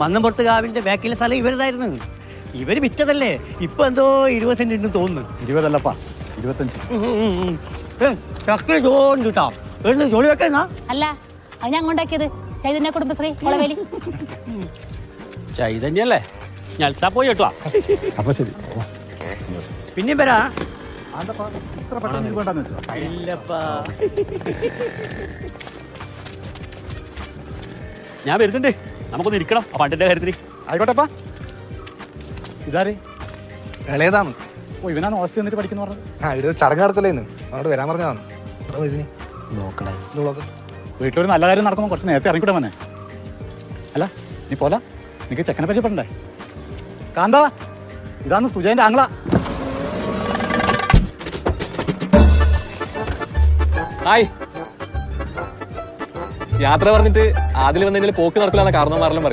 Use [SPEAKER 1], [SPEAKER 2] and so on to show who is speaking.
[SPEAKER 1] മന്നംപുറത്ത് കാവിന്റെ ബാക്കിലെ സ്ഥലം ഇവരുതായിരുന്നു. ഇവര് വിറ്റതല്ലേ. ഇപ്പൊ എന്തോ 20 സെന്റ് ഉണ്ടെന്ന് തോന്നുന്നു.
[SPEAKER 2] 20 25.
[SPEAKER 1] ചക്കര ജോൺ കിട്ടാം. ജോലി വെക്കണ
[SPEAKER 3] അല്ല അത് ഞാൻ കൊണ്ടാക്കിയത് ചൈതന്യ കുടുംബശ്രീ കൊളവേലി.
[SPEAKER 1] ചൈതന്യല്ലേ? ഞൽത്താ പോയി കേട്ടോ.
[SPEAKER 2] അപ്പൊ ശരി.
[SPEAKER 1] പിന്നെയും വരാ.
[SPEAKER 2] ഇത്ര പെട്ടെന്ന് ഇത് വേണ്ടെന്ന് വെച്ചോ?
[SPEAKER 1] ഇല്ലപ്പാ.
[SPEAKER 4] ഞാൻ വരുന്നുണ്ട്, നമുക്കൊന്ന് ഇരിക്കണം ആ പണ്ടിന്റെ കാര്യത്തിന്.
[SPEAKER 2] ആയിക്കോട്ടെപ്പാ. ഇതാരേ?
[SPEAKER 5] ഇളയതാണ്.
[SPEAKER 2] ഓ, ഇവനാണ് ഹോസ്റ്റലിൽ വന്നിട്ട് പഠിക്കുന്ന പറഞ്ഞത്.
[SPEAKER 5] ഇവിടെ ചടങ്ങ് നടത്തലേന്ന് അങ്ങോട്ട് വരാൻ പറഞ്ഞതാണ്. നോക്കണേ
[SPEAKER 2] വീട്ടിലൊരു നല്ല കാര്യം നടക്കുമ്പോൾ കുറച്ച് നേരത്തെ ഇറങ്ങിക്കൂടെ മോനെ? അല്ല നീ പോല, എനിക്ക് ചെക്കനെ പരിചയപ്പെടണ്ടേ? കാന്താ, ഇതാണ് സുജയന്റെ ആംഗ്ല.
[SPEAKER 6] ഹായ്. യാത്ര പറഞ്ഞിട്ട് ആദ്യം വന്നതിൽ പോക്ക് നടക്കില്ല കാരണം മാറലും പറയും.